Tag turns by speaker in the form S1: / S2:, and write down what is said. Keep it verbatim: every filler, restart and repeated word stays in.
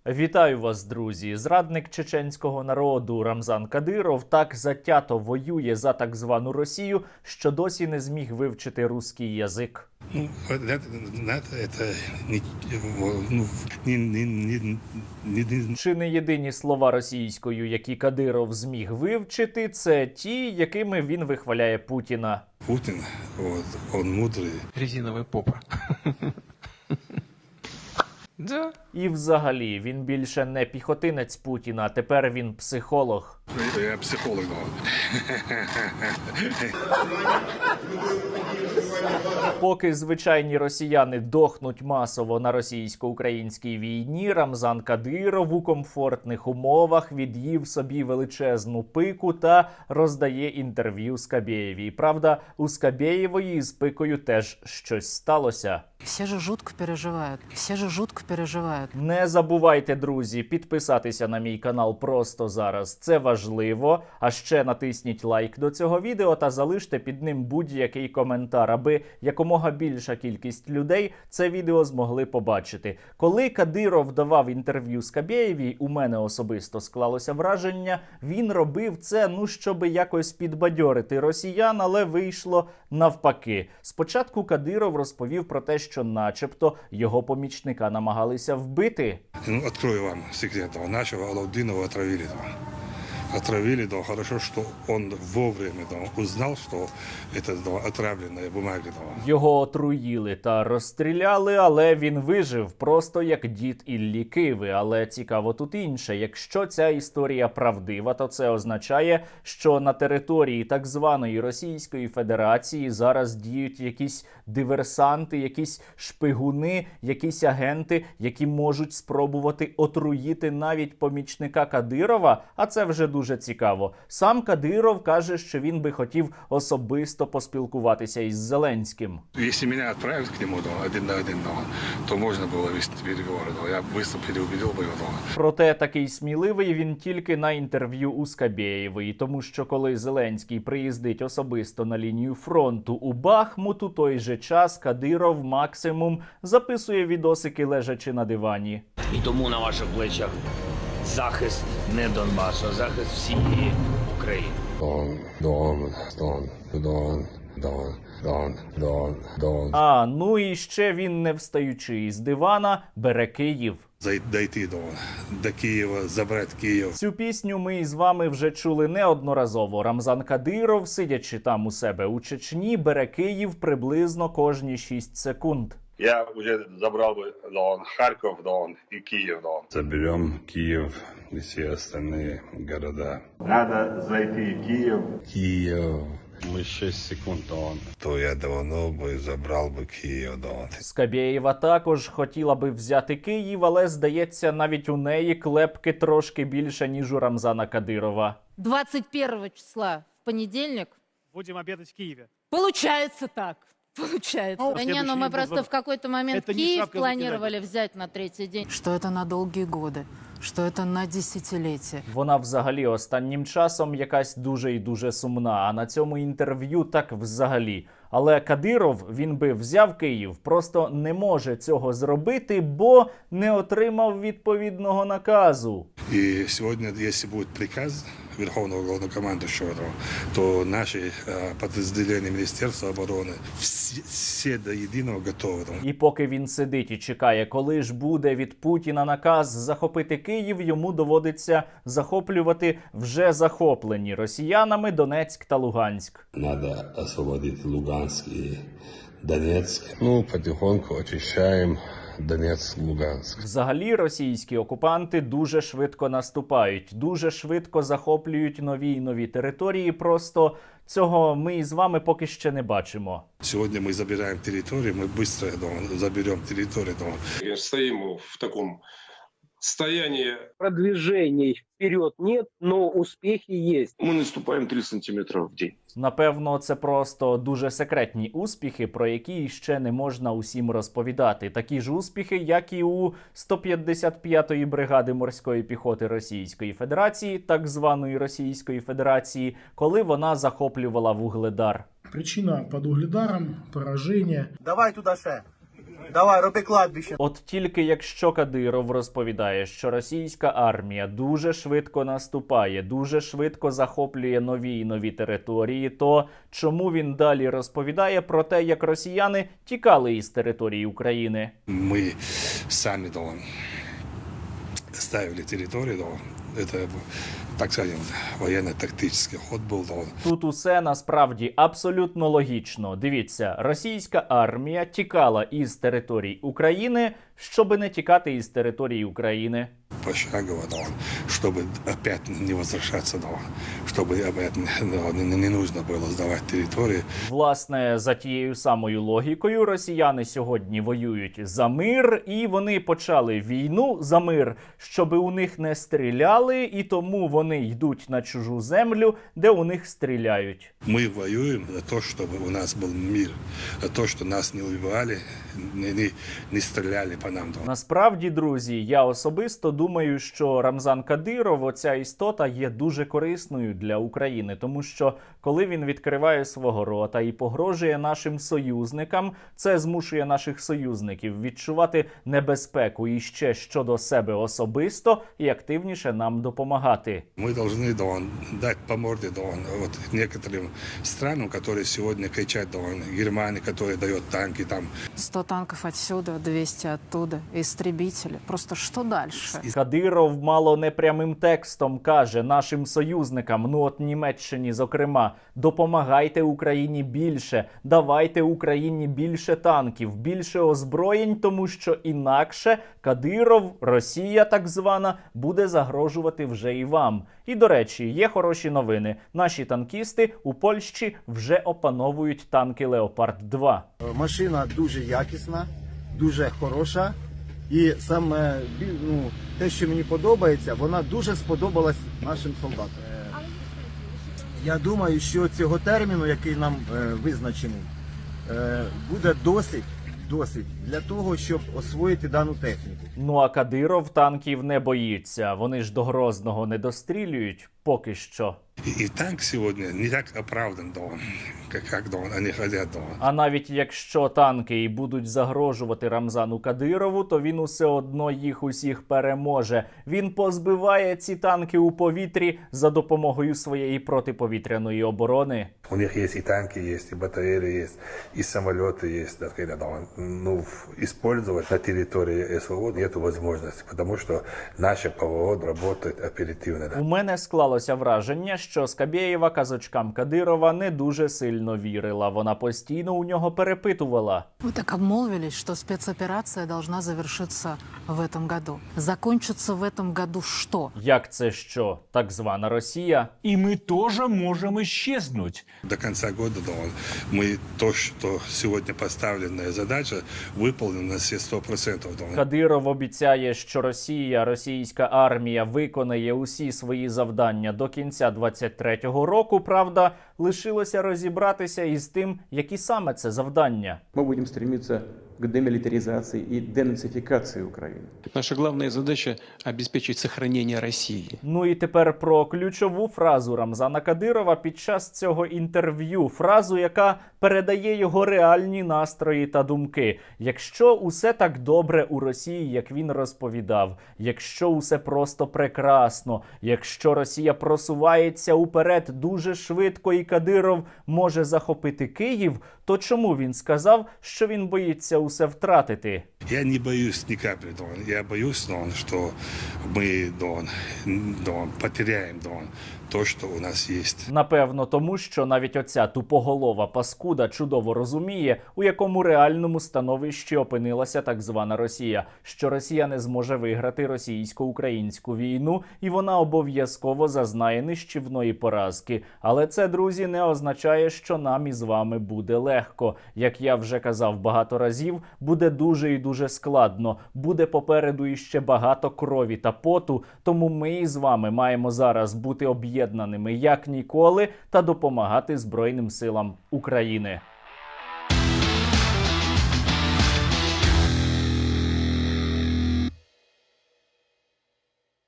S1: Вітаю вас, друзі! Зрадник чеченського народу Рамзан Кадиров так затято воює за так звану Росію, що досі не зміг вивчити руський язик.
S2: Ну, это, это не, ну, не, не, не, не...
S1: Чи не єдині слова російською, які Кадиров зміг вивчити, це ті, якими він вихваляє Путіна.
S2: Путин, вот, он мудрый.
S3: Резиновая попа. Да.
S1: І взагалі, він більше не піхотинець Путіна, а тепер він психолог.
S2: Я психолог, да.
S1: Поки звичайні росіяни дохнуть масово на російсько-українській війні, Рамзан Кадиров у комфортних умовах від'їв собі величезну пику та роздає інтерв'ю Скабєєвій. Правда, у Скабєєвої з пикою теж щось сталося.
S4: Все же жутко переживають, все же жутко переживають.
S1: Не забувайте, друзі, підписатися на мій канал просто зараз. Це важливо. А ще натисніть лайк до цього відео та залиште під ним будь-який коментар, аби якомога більша кількість людей це відео змогли побачити. Коли Кадиров давав інтерв'ю Скабєєвій, у мене особисто склалося враження, він робив це, ну, щоб якось підбадьорити росіян, але вийшло навпаки. Спочатку Кадиров розповів про те, що начебто його помічника намагалися вбити.
S2: Ну, открою вам секрет. Нашего Алаудинова отравили. Отравили, да, хорошо, что он вовремя да, узнал, что это да, отравленная бумага. Да.
S1: Його отруїли та розстріляли, але він вижив, просто як дід Іллі Киви. Але цікаво тут інше. Якщо ця історія правдива, то це означає, що на території так званої Російської Федерації зараз діють якісь диверсанти, якісь шпигуни, якісь агенти, які можуть спробувати отруїти навіть помічника Кадирова, а це вже дуже цікаво. Сам Кадиров каже, що він би хотів особисто поспілкуватися із Зеленським.
S2: Если меня отправят к нему да, один на один, да, то можно было вести переговоры. Да. Я быстро переубедил бы его. Да.
S1: Проте такий сміливий він тільки на інтерв'ю у Скабєєвої, тому що коли Зеленський приїздить особисто на лінію фронту у Бахмут, у той же час Кадиров максимум записує відосики лежачи на дивані.
S5: І тому на ваших плечах захист не Донбасу, а захист всієї України.
S6: Дон, Дон, Дон, Дон, Дон, Дон, Дон, Дон.
S1: А, ну і ще він, не встаючи із дивана, бере Київ.
S2: Дойти до, до Києва, забрати Київ.
S1: Цю пісню ми із вами вже чули неодноразово. Рамзан Кадиров, сидячи там у себе у Чечні, бере Київ приблизно кожні шість секунд.
S7: Я уже забрал бы Дон, Харьков, Дон и Киев, Дон.
S2: Заберем Киев и все остальные города.
S7: Надо зайти в Киев.
S2: Киев. Мы шесть секунд, Дон. То я давно бы забрал бы Киев, Дон.
S1: Скабєєва також хотіла би взяти Київ, але, здається, навіть у неї клепки трошки більше, ніж у Рамзана Кадирова.
S4: двадцать первого числа, в понедельник.
S8: Будем обедать в Киеве.
S4: Получается так. Получается.
S8: Ну,
S4: да не, ну мы просто в какой-то момент
S8: Это не
S4: Киев
S8: шапка
S4: планировали взять на третий день. Что это на долгие годы, что это на десятилетия.
S1: Вона взагалі останнім часом якась дуже і дуже сумна, а на цьому інтерв'ю так взагалі. Але Кадиров, він би взяв Київ, просто не може цього зробити, бо не отримав відповідного наказу.
S2: И сегодня, если будет приказ Верховного Главнокомандующего, то наши э, подразделения Министерства обороны все, все до единого готовы.
S1: І поки він сидить і чекає, коли ж буде від Путіна наказ захопити Київ, йому доводиться захоплювати вже захоплені росіянами Донецьк та Луганськ.
S6: Надо освободить Луганск и Донецк. Ну, потихоньку очищаем Донецк, Луганск.
S1: Взагалі російські окупанти дуже швидко наступають, дуже швидко захоплюють нові й нові території, просто цього ми із вами поки ще не бачимо.
S2: Сегодня мы забираем территорию, мы быстро да, заберем территорию. Да.
S7: Стоим в таком состоянии.
S9: Продвижений вперед нет, но успехи есть.
S7: Мы наступаем три сантиметра в день.
S1: Напевно, це просто дуже секретні успіхи, про які ще не можна усім розповідати. Такі ж успіхи, як і у сто п'ятдесят п'ятої бригади морської піхоти Російської Федерації, так званої Російської Федерації, коли вона захоплювала Вугледар.
S10: Причина під Угледаром – пораження.
S11: Давай туди ще.
S8: Давай, роби кладбище.
S1: От тільки якщо Кадиров розповідає, що російська армія дуже швидко наступає, дуже швидко захоплює нові і нові території, то чому він далі розповідає про те, як росіяни тікали із території України?
S2: Мы сами да, ставили территорию, да, это, так скажем, военно-тактический ход был. Да.
S1: Тут усе насправді абсолютно логічно. Дивіться, російська армія тікала із територій України, щоби не тікати із території України.
S2: Пошагово, да, чтобы опять не возвращаться, да, чтобы опять да, не, не нужно было сдавать территории.
S1: Власне, за тією самою логікою, росіяни сьогодні воюють за мир, і вони почали війну за мир, щоби у них не стріляли, і тому вони йдуть на чужу землю, де у них стріляють.
S2: Мы воюем за то, чтобы у нас был мир, за то, что нас не убивали, не, не, не стреляли по нам. Да.
S1: Насправді, друзі, я особисто думаю, що Рамзан Кадиров, оця істота, є дуже корисною для України, тому що коли він відкриває свого рота і погрожує нашим союзникам, це змушує наших союзників відчувати небезпеку і ще щодо себе особисто і активніше нам допомагати.
S2: Мы должны да, дать по морде да, вот, некоторым странам, которые сегодня кричат, да, Германии, которая дает танки там.
S4: сто танков отсюда, двести оттуда, истребители. Просто что дальше?
S1: Кадиров мало не прямим текстом каже нашим союзникам, ну от Німеччині, зокрема, допомагайте Україні більше, давайте Україні більше танків, більше озброєнь, тому що інакше Кадиров, Росія так звана, буде загрожувати вже і вам. І, до речі, є хороші новини. Наші танкісти у Польщі вже опановують танки Леопард два.
S8: Машина дуже якісна, дуже хороша. І саме ну, те, що мені подобається, вона дуже сподобалась нашим солдатам. Я думаю, що цього терміну, який нам е, визначений, е, буде досить, досить для того, щоб освоїти дану техніку.
S1: Ну а Кадиров танків не боїться. Вони ж до Грозного не дострілюють поки що.
S2: И, и танк сегодня не так оправдан, да, как, как да, они хотят. Да.
S1: А навіть якщо танки і будуть загрожувати Рамзану Кадирову, то він усе одно їх усіх переможе. Він позбиває ці танки у повітрі за допомогою своєї протиповітряної оборони.
S6: У них есть и танки, есть и батареи, есть и самолеты, есть. Да, да, ну, использовать на территории СВО нет возможности, потому что наше ПВО работает оперативно. Да.
S1: У мене склалося враження, що Скабєєва казочкам Кадирова не дуже сильно вірила. Вона постійно у нього перепитувала.
S4: Вы так обмолвились, что спецоперация должна завершиться в этом году. Закончится в этом году что?
S1: Як це що? Так звана Росія?
S10: И мы тоже можем исчезнуть.
S2: До конца года да, мы то, что сегодня поставленная задача, выполнена на все сто процентов. Да.
S1: Кадиров обіцяє, що Росія, російська армія виконає усі свої завдання до кінця двадцять третього року. Правда, лишилося розібратися із тим, які саме це завдання.
S11: Мы будем стремиться к демилитаризации и денацификации Украины.
S3: Наша главная задача – обеспечить сохранение России.
S1: Ну і тепер про ключову фразу Рамзана Кадирова під час цього інтерв'ю. Фразу, яка передає його реальні настрої та думки. Якщо усе так добре у Росії, як він розповідав, якщо усе просто прекрасно, якщо Росія просувається уперед дуже швидко і Кадиров може захопити Київ, то чому він сказав, що він боїться усе втратити?
S2: Я не боюсь ни капли, Дон. Я боюсь, Дон, что мы, Дон, Дон, потеряем, Дон, то, що у нас є.
S1: Напевно, тому що навіть оця тупоголова паскуда чудово розуміє, у якому реальному становищі опинилася так звана Росія, що Росія не зможе виграти російсько-українську війну, і вона обов'язково зазнає нищівної поразки. Але це, друзі, не означає, що нам із вами буде легко. Як я вже казав багато разів, буде дуже і дуже складно. Буде попереду іще багато крові та поту, тому ми із вами маємо зараз бути об'єднаними як ніколи та допомагати Збройним силам України.